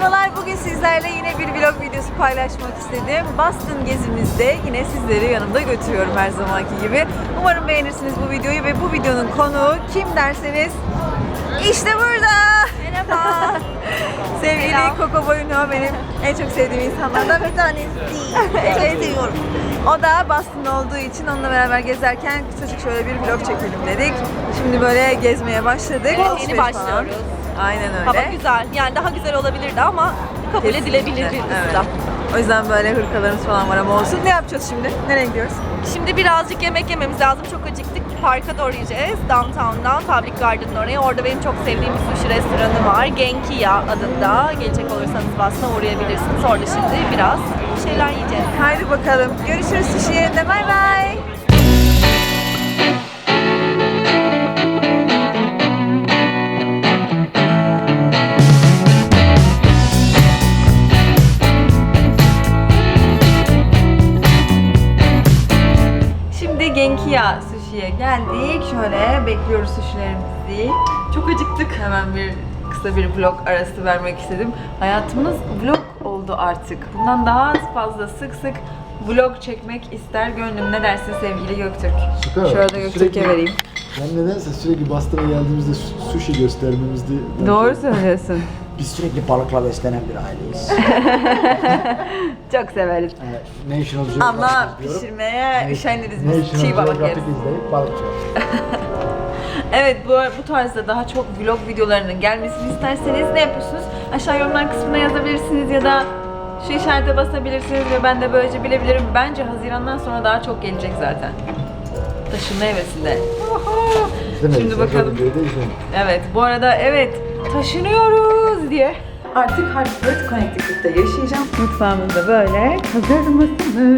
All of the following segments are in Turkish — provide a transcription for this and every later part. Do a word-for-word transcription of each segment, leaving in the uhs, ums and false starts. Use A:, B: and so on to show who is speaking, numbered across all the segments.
A: Merhabalar, bugün sizlerle yine bir vlog videosu paylaşmak istedim. Boston gezimizde yine sizleri yanımda götürüyorum her zamanki gibi. Umarım beğenirsiniz bu videoyu ve bu videonun konuğu kim derseniz işte burada. Merhaba. Sevgili Coco Boyno benim en çok sevdiğim insanlardan bir tanesi. Evet, seviyorum. O da Boston'da olduğu için onunla beraber gezerken kısacık şöyle bir vlog çekelim dedik. Şimdi böyle gezmeye başladık.
B: Evet, yeni başlıyoruz.
A: Falan. Aynen öyle.
B: Hava güzel. Yani daha güzel olabilirdi ama kabul
A: Kesinlikle.
B: edilebilir bir
A: Evet.
B: ıslah.
A: O yüzden böyle hırkalarımız falan var ama olsun. Ne yapacağız şimdi? Nereye gidiyoruz?
B: Şimdi birazcık yemek yememiz lazım. Çok acıktık. Parka doğru yiyeceğiz. Downtown'dan, Public Garden'ın oraya. Orada benim çok sevdiğim bir sushi restoranı var. Genkiya adında. Gelecek olursanız Boston'a uğrayabilirsiniz. Orada şimdi biraz şeyler yiyeceğiz.
A: Haydi bakalım. Görüşürüz sushi yerinde. Bay bay. Şimdi Genkiya Sushi'ye geldik. Şöyle bekliyoruz sushilerimizi. Çok acıktık. Hemen bir kısa bir vlog arası vermek istedim. Hayatımız vlog oldu artık. Bundan daha fazla sık sık vlog çekmek ister gönlüm. Ne dersin sevgili Göktürk?
C: Süper.
A: Şöyle de Göktürk'e
C: Sürekli-
A: vereyim.
C: Ben nedense sürekli Boston'a geldiğimizde su- sushi göstermemizdi.
A: Doğru söylüyorsun.
D: Biz sürekli balıkla beslenen bir aileyiz.
A: Çok severiz.
C: Ee, National Geographic
A: Ama
C: diyorum.
A: pişirmeye üşeniriz biz.
C: National
A: Çiğ balık yeriz.
C: Geographic izleyip balıkçı.
A: Evet, bu, bu tarzda daha çok vlog videolarının gelmesini isterseniz ne yapıyorsunuz? Aşağı yorumlar kısmına yazabilirsiniz ya da şu işarete basabilirsiniz ve ben de böylece bilebilirim. Bence Haziran'dan sonra daha çok gelecek zaten. Taşınma hevesinde. Şimdi bakalım. Evet, bu arada evet taşınıyoruz diye. Artık Hartford, Connecticut'ta yaşayacağım. Mutfağımız da böyle. Hazır mısınız?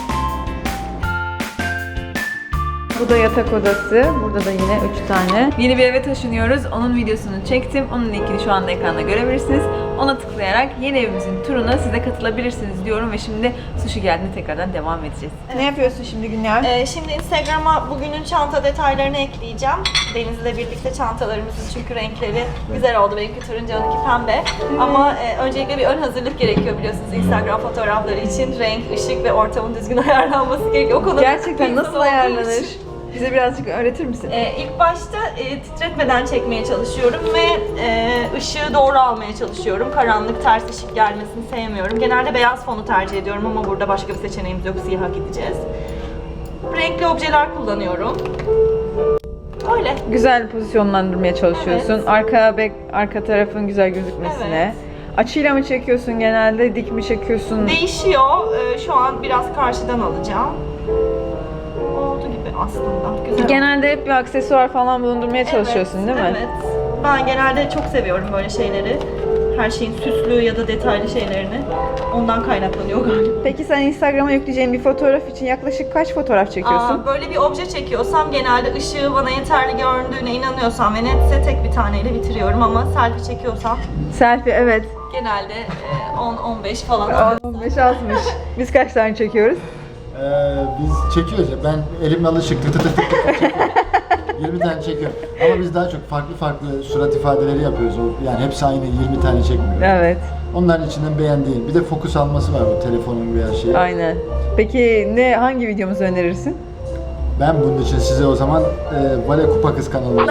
A: Bu da yatak odası. Burada da yine üç tane. Yeni bir eve taşınıyoruz. Onun videosunu çektim. Onun linkini şu anda ekranda görebilirsiniz. Ona tıklayarak yeni evimizin turuna siz de katılabilirsiniz diyorum ve şimdi sushi geldiğinde tekrardan devam edeceğiz. Ne yapıyorsun şimdi Günyar?
B: Ee, şimdi Instagram'a bugünün çanta detaylarını ekleyeceğim. Deniz'le birlikte çantalarımızın çünkü renkleri güzel oldu. Benimki turuncu, onunki pembe. Ama e, öncelikle bir ön hazırlık gerekiyor biliyorsunuz Instagram fotoğrafları için. Renk, ışık ve ortamın düzgün ayarlanması gerekiyor. O konuda
A: Gerçekten
B: bir
A: nasıl
B: insan olduğum
A: ayarlanır?
B: için.
A: Bize birazcık öğretir misin?
B: Ee, ilk başta e, titretmeden çekmeye çalışıyorum ve e, ışığı doğru almaya çalışıyorum. Karanlık, ters ışık gelmesini sevmiyorum. Genelde beyaz fonu tercih ediyorum ama burada başka bir seçeneğimiz yok. Siyaha gideceğiz. Renkli objeler kullanıyorum. Öyle.
A: Güzel pozisyonlandırmaya çalışıyorsun.
B: Evet.
A: Arka bek, arka tarafın güzel gözükmesine.
B: Evet.
A: Açıyla mı çekiyorsun genelde, dik mi çekiyorsun?
B: Değişiyor. Ee, şu an biraz karşıdan alacağım. Oldu gibi aslında. Güzel.
A: Genelde hep bir aksesuar falan bulundurmaya çalışıyorsun değil mi?
B: Evet. Ben genelde çok seviyorum böyle şeyleri. Her şeyin süslü ya da detaylı şeylerini. Ondan kaynaklanıyor galiba.
A: Peki sen Instagram'a yükleyeceğin bir fotoğraf için yaklaşık kaç fotoğraf çekiyorsun?
B: Aa, böyle bir obje çekiyorsam genelde ışığı bana yeterli göründüğüne inanıyorsam ve netse tek bir taneyle bitiriyorum ama selfie çekiyorsam
A: Selfie evet.
B: genelde on on beş falan.
A: on beş altmış. Biz kaç tane çekiyoruz?
C: Ee, biz çekiyoruz ya. Ben elimle alışık tı tı tı tı tı çekiyorum. yirmi tane çekiyorum. Ama biz daha çok farklı farklı surat ifadeleri yapıyoruz. O- Yani hepsi aynı yirmi tane çekmiyoruz.
A: Evet.
C: Onların içinden beğendiğim. Bir de fokus alması var bu telefonun veya şey.
A: Aynen. Peki ne hangi videomuzu önerirsin?
C: Ben bunun için size o zaman e, Vale Kupa Kız kanalını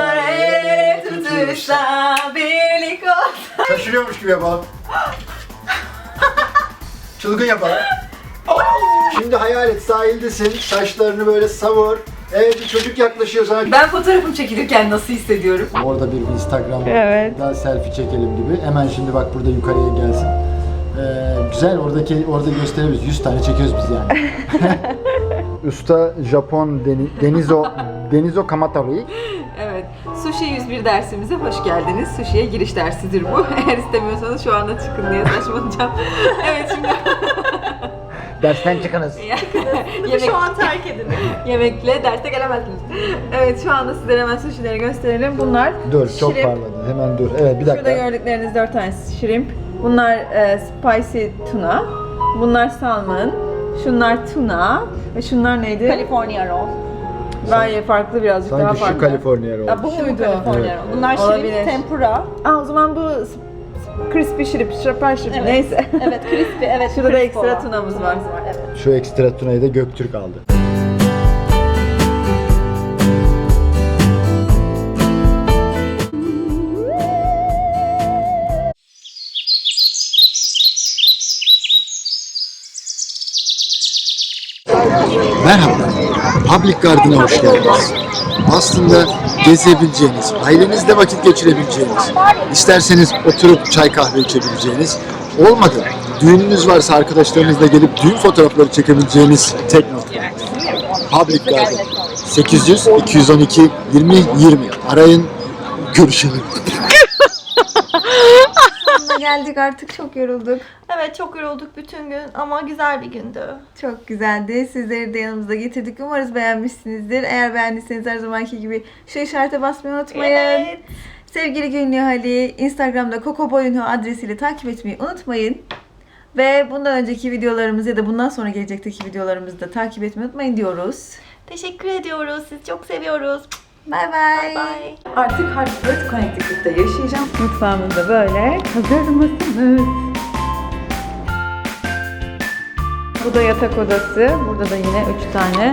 A: birlik olsa.
C: şaşırıyormuş gibi yapalım. Çılgın yapalım. Şimdi hayal et, sahildesin, saçlarını böyle savur. Evet, bir çocuk yaklaşıyor sana.
A: Ben fotoğrafım çekilirken nasıl hissediyorum?
C: Orada bir Instagram'da
A: Evet.
C: selfie çekelim gibi. Hemen şimdi bak burada yukarıya gelsin. Ee, güzel oradaki orada gösterebiliriz. yüz tane çekiyoruz biz yani. Usta Japon Deni, Denizo Denizo Kamatarui.
A: Evet. Sushi yüz bir dersimize hoş geldiniz. Sushi'ye giriş dersidir bu. Eğer istemiyorsanız şu anda çıkın diye saçmalayacağım. Evet şimdi
D: Dersten çıkınız.
A: yemek,
B: Şu an terk edin.
A: yemekle derse gelemezsiniz. Evet şu anda sizlere hemen sushi'leri gösterelim. Bunlar
C: Dur çok
A: shrimp.
C: parladı. Hemen dur. Evet bir
A: Şurada
C: dakika.
A: gördükleriniz dört tanesi shrimp. Bunlar e, spicy tuna. Bunlar salmon. Şunlar tuna. Ve şunlar neydi?
B: California roll.
A: Bayağı farklı birazcık daha
C: Sanki
A: farklı.
C: şu Kaliforniya oldu.
A: Ha, bu muydu?
B: California
C: Evet.
B: roll. Bunlar
A: Olabilir.
B: şirin tempura.
A: Aa, o zaman bu Crispy shrimp, şapar shrimp
B: Evet.
A: neyse.
B: Evet, crispy, evet.
A: Şurada da
B: crisp
A: ekstra
B: olan.
A: tunamız var.
B: Evet.
C: Şu ekstra tunayı da Göktürk aldı. Merhaba, Public Garden'a hoş geldiniz. Aslında gezebileceğiniz, ailenizle vakit geçirebileceğiniz, isterseniz oturup çay kahve içebileceğiniz, olmadı düğününüz varsa arkadaşlarınızla gelip düğün fotoğrafları çekebileceğiniz tek nokta. Public Garden. sekiz yüz iki yüz on iki yirmi yirmi. Arayın, görüşelim.
A: Sonuna geldik artık, çok yorulduk.
B: Evet, çok yorulduk bütün gün ama güzel bir gündü.
A: Çok güzeldi. Sizleri de yanımızda getirdik. Umarız beğenmişsinizdir. Eğer beğendiyseniz her zamanki gibi şu işarete basmayı unutmayın.
B: Evet.
A: Sevgili Gönlü Ali, Instagram'da Coco Boyunho adresiyle takip etmeyi unutmayın. Ve bundan önceki videolarımızı ya da bundan sonra gelecekteki videolarımızı da takip etmeyi unutmayın diyoruz.
B: Teşekkür ediyoruz. Sizi çok seviyoruz.
A: Bye bye.
B: Bye.
A: Artık Hartford, Connecticut'ta yaşayacağım. Mutfağımızda böyle. Hazır mısınız? Bu da yatak odası. Burada da yine üç tane